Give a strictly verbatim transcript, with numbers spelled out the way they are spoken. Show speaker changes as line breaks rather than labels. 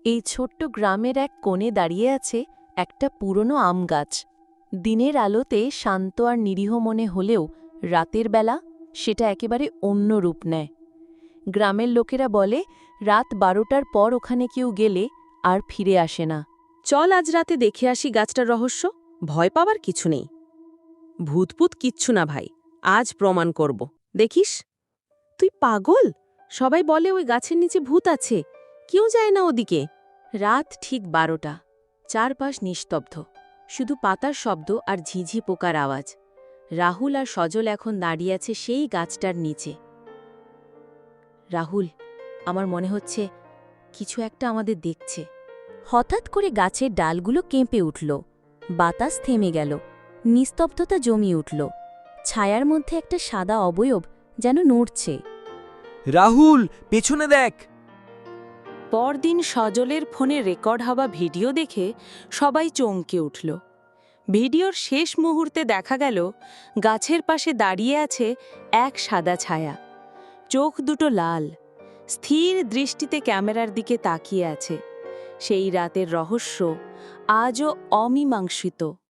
এই ছোট্ট গ্রামের এক কোণে দাঁড়িয়ে আছে একটা পুরনো আম গাছ। দিনের আলোতে শান্ত আর নিরীহ মনে হলেও রাতের বেলা সেটা একেবারে অন্য রূপ নেয়। গ্রামের লোকেরা বলে রাত বারোটার পর ওখানে কেউ গেলে আর ফিরে আসে না।
চল আজ রাতে দেখে আসি গাছটার রহস্য। ভয় পাওয়ার কিছু নেই। ভূতপুত কিচ্ছু না ভাই, আজ প্রমাণ করব। দেখিস? তুই পাগল? সবাই বলে ওই গাছের নিচে ভূত আছে, কেউ যায় না ওদিকে।
রাত ঠিক বারোটা, চারপাশ নিস্তব্ধ, শুধু পাতার শব্দ আর ঝিঝি পোকার আওয়াজ। রাহুল আর সজল এখন দাঁড়িয়ে আছে সেই গাছটার নিচে। রাহুল, আমার মনে হচ্ছে কিছু একটা আমাদের দেখছে। হঠাৎ করে গাছের ডালগুলো কেঁপে উঠল, বাতাস থেমে গেল, নিস্তব্ধতা জমিয়ে উঠল। ছায়ার মধ্যে একটা সাদা অবয়ব যেন নড়ছে।
রাহুল, পেছনে দেখ!
পরদিন সজলের ফোনে রেকর্ড হওয়া ভিডিও দেখে সবাই চমকে উঠল। ভিডিওর শেষ মুহূর্তে দেখা গেল গাছের পাশে দাঁড়িয়ে আছে এক সাদা ছায়া। চোখ দুটো লাল, স্থির দৃষ্টিতে ক্যামেরার দিকে তাকিয়ে আছে। সেই রাতের রহস্য আজও অমীমাংসিত।